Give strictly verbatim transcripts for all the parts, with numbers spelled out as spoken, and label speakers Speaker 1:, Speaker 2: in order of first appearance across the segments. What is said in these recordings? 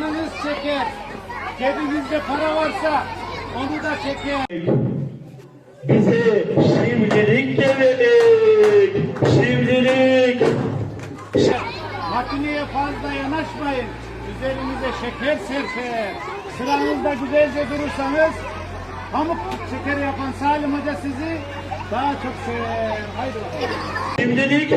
Speaker 1: alırsanız çeker. Cebinizde para varsa onu da çeker.
Speaker 2: Bize şimdilik demedik. Şimdilik.
Speaker 1: Makineye fazla yanaşmayın. Üzerinize şeker serper. Sıranızda güzelce durursanız pamuk şekeri yapan Salim Hoca sizi daha çok sever. Haydi bakalım.
Speaker 2: Şimdilik.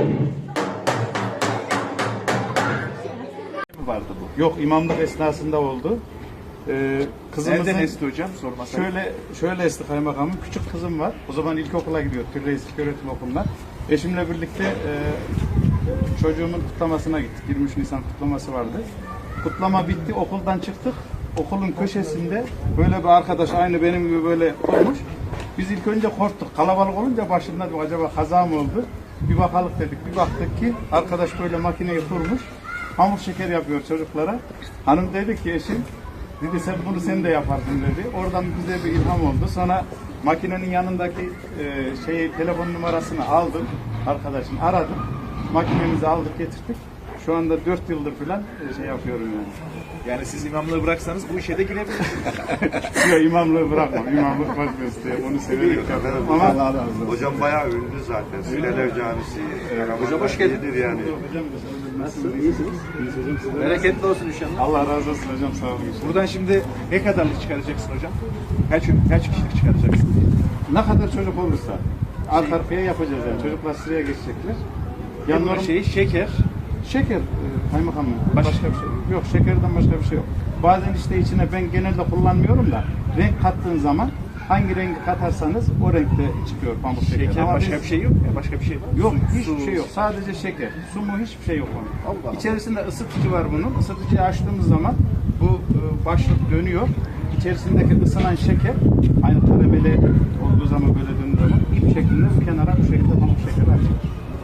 Speaker 3: Vardı bu. Yok, imamlık esnasında oldu. Ee, kızımızın
Speaker 4: Nereden esti hocam? Sormasak.
Speaker 3: şöyle şöyle esti kaymakamım. Küçük kızım var. O zaman ilkokula gidiyor. Türreis İlköğretim Okulu'na. Eşimle birlikte e, çocuğumun kutlamasına gittik. yirmi üç Nisan kutlaması vardı. Kutlama bitti. Okuldan çıktık. Okulun köşesinde böyle bir arkadaş aynı benim gibi böyle olmuş. Biz ilk önce korktuk. Kalabalık olunca başında dedik, acaba kaza mı oldu? Bir bakalım dedik. Bir baktık ki arkadaş böyle makineyi kurmuş. Pamuk şeker yapıyor çocuklara. Hanım dedi ki eşim, dedi sen bunu sen de yaparsın dedi. Oradan bize bir ilham oldu. Sonra makinenin yanındaki e, şeyi, telefon numarasını aldım. Arkadaşın aradım. Makinemizi aldık getirdik. Şu anda dört yıldır falan e, şey yapıyorum yani.
Speaker 4: Yani siz imamlığı bıraksanız bu işe de girebilirsiniz.
Speaker 3: Yok, imamlığı bırakmam. İmamlık baş mesleği. Onu severek yapıyorum. Ama Allah razı olsun.
Speaker 5: Hocam bayağı ünlü zaten. Süleler Camisi.
Speaker 4: Hocam hoş geldin.
Speaker 5: Yani.
Speaker 3: Hocam nasılsınız? İyisiniz. İyiyiz hocam. Sizler
Speaker 4: Bereketli olsun inşallah.
Speaker 3: Allah razı olsun hocam. Sağ olun.
Speaker 4: Buradan şimdi ne kadarlık çıkaracaksın hocam? Kaç, kaç kişilik çıkaracaksın?
Speaker 3: Ne kadar çocuk olursa arka arkaya yapacağız yani. Çocuklar sıraya geçecekler.
Speaker 4: Yanlar şey şeker.
Speaker 3: Şeker, e, kaymakamım. Başka, başka bir şey yok. Yok, şekerden başka bir şey yok. Bazen işte içine ben genelde kullanmıyorum da renk kattığın zaman hangi rengi katarsanız o renkte çıkıyor pamuk şeker.
Speaker 4: Şeker
Speaker 3: Ama
Speaker 4: başka
Speaker 3: biz-
Speaker 4: bir şey yok ya. Başka bir şey var.
Speaker 3: Yok,
Speaker 4: Su-
Speaker 3: hiçbir
Speaker 4: su-
Speaker 3: şey yok. Sadece şeker. Su mu, hiçbir şey yok onun.
Speaker 4: Allah Allah.
Speaker 3: İçerisinde ısıtıcı var bunun. Isıtıcıyı açtığımız zaman bu e, başlık dönüyor. İçerisindeki ısınan şeker aynı karameli olduğu zaman böyle döndüğü zaman ip şeklinde bu kenara bu şekilde pamuk şeker açılır.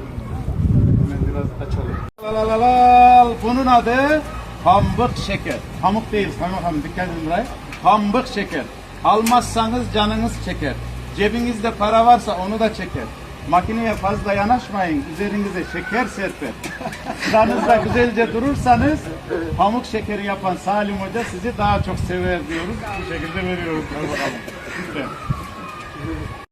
Speaker 3: Hemen biraz açalım. Lalalal. Bunun adı pamuk şeker. Pamuk değil, kaymakam dikkat edin buraya. Pamuk şeker. Almazsanız canınız çeker. Cebinizde para varsa onu da çeker. Makineye fazla yanaşmayın, üzerinize şeker serper. Sıranızda güzelce durursanız pamuk şekeri yapan Salim Hoca sizi daha çok sever diyoruz. Bu şekilde veriyoruz. Hadi bakalım. Lütfen.